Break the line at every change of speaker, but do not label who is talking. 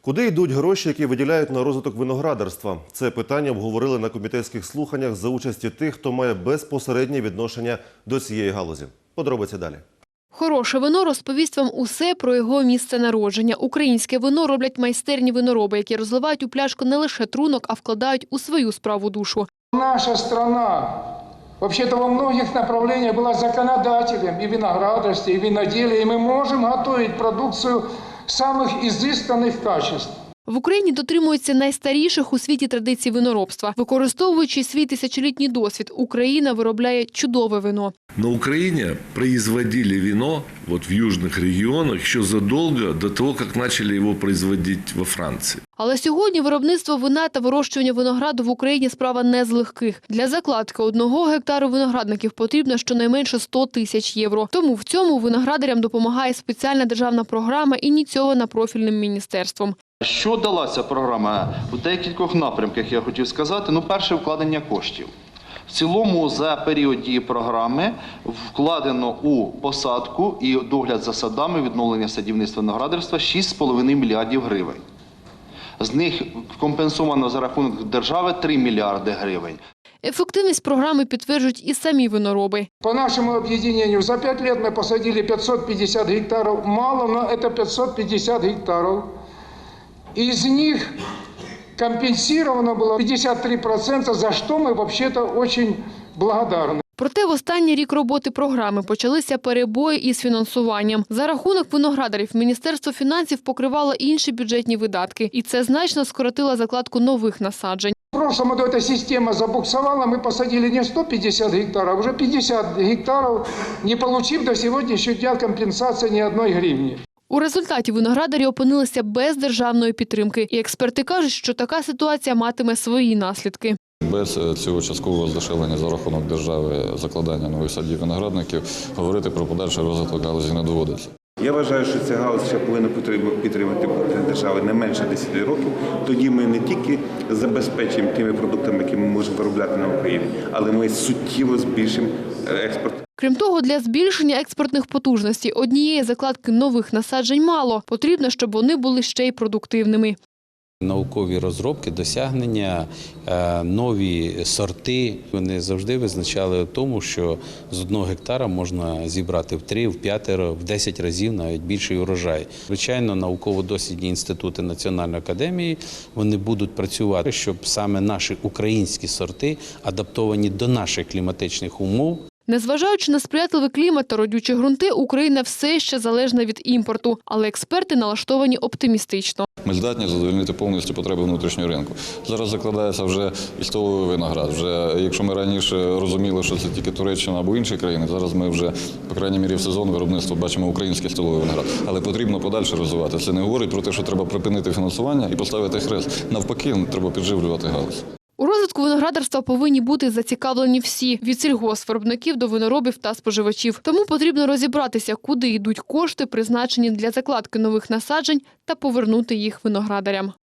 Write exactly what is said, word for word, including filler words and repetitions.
Куди йдуть гроші, які виділяють на розвиток виноградарства? Це питання обговорили на комітетських слуханнях за участі тих, хто має безпосереднє відношення до цієї галузі. Подробиці далі.
Хороше вино розповість вам усе про його місце народження. Українське вино роблять майстерні винороби, які розливають у пляшку не лише трунок, а вкладають у свою справу душу.
Наша страна, вообще-то во многих направлениях была законодателем и виноградарстве, и виноделия, и мы можем готовить продукцию самых изысканных качеств.
В Україні дотримуються найстаріших у світі традицій виноробства. Використовуючи свій тисячолітній досвід, Україна виробляє чудове вино.
На Украине производили вино вот в южных регионах еще задолго до того, как начали его производить во Франции.
Але сьогодні виробництво вина та вирощування винограду в Україні – справа не з легких. Для закладки одного гектару виноградників потрібно щонайменше сто тисяч євро. Тому в цьому виноградарям допомагає спеціальна державна програма, ініційована профільним міністерством.
Що дала ця програма? У декількох напрямках я хотів сказати. Ну, перше, вкладення коштів. В цілому за період дії програми вкладено у посадку і догляд за садами, відновлення садівництва виноградарства шість з половиною мільярдів гривень. З них компенсовано за рахунок держави три мільярди гривень.
Ефективність програми підтверджують і самі винороби.
По нашему объединению за пять лет мы посадили пятьсот пятьдесят гектаров. Мало, но это пятьсот пятьдесят гектаров. Из них компенсировано было пятьдесят три процента, за что мы вообще-то очень благодарны.
Проте в останній рік роботи програми почалися перебої із фінансуванням. За рахунок виноградарів Міністерство фінансів покривало інші бюджетні видатки. І це значно скоротило закладку нових насаджень.
В прошлом году эта система забуксовала, мы посадили не сто пятьдесят гектаров, а уже пятьдесят гектаров, не получив до сегодняшнего дня компенсации ни одной гривни.
У результаті виноградарі опинилися без державної підтримки. І експерти кажуть, що така ситуація матиме свої наслідки.
Без цього часткового здешевлення за рахунок держави закладання нових садів виноградників говорити про подальший розвиток галузі не доводиться.
Я вважаю, що ця галузь ще повинна підтримати держава не менше десяти років. Тоді ми не тільки забезпечимо тими продуктами, які ми можемо виробляти на Україні, але ми суттєво збільшимо експорт.
Крім того, для збільшення експортних потужностей однієї закладки нових насаджень мало. Потрібно, щоб вони були ще й продуктивними.
Наукові розробки, досягнення, нові сорти. Вони завжди визначали в тому, що з одного гектара можна зібрати в три, в п'ятеро, в десять разів навіть більший урожай. Звичайно, науково-дослідні інститути Національної академії, вони будуть працювати, щоб саме наші українські сорти, адаптовані до наших кліматичних умов.
Незважаючи на сприятливий клімат та родючі ґрунти, Україна все ще залежна від імпорту. Але експерти налаштовані оптимістично.
Ми здатні задовольнити повністю потреби внутрішнього ринку. Зараз закладається вже і столовий виноград. Вже, якщо ми раніше розуміли, що це тільки Туреччина або інші країни, зараз ми вже, по крайній мірі, в сезон виробництва бачимо український столовий виноград. Але потрібно подальше розвивати. Це не говорить про те, що треба припинити фінансування і поставити хрест. Навпаки, треба підживлювати галузь.
У розвитку виноградарства повинні бути зацікавлені всі – від сільгоспвиробників до виноробів та споживачів. Тому потрібно розібратися, куди йдуть кошти, призначені для закладки нових насаджень, та повернути їх виноградарям.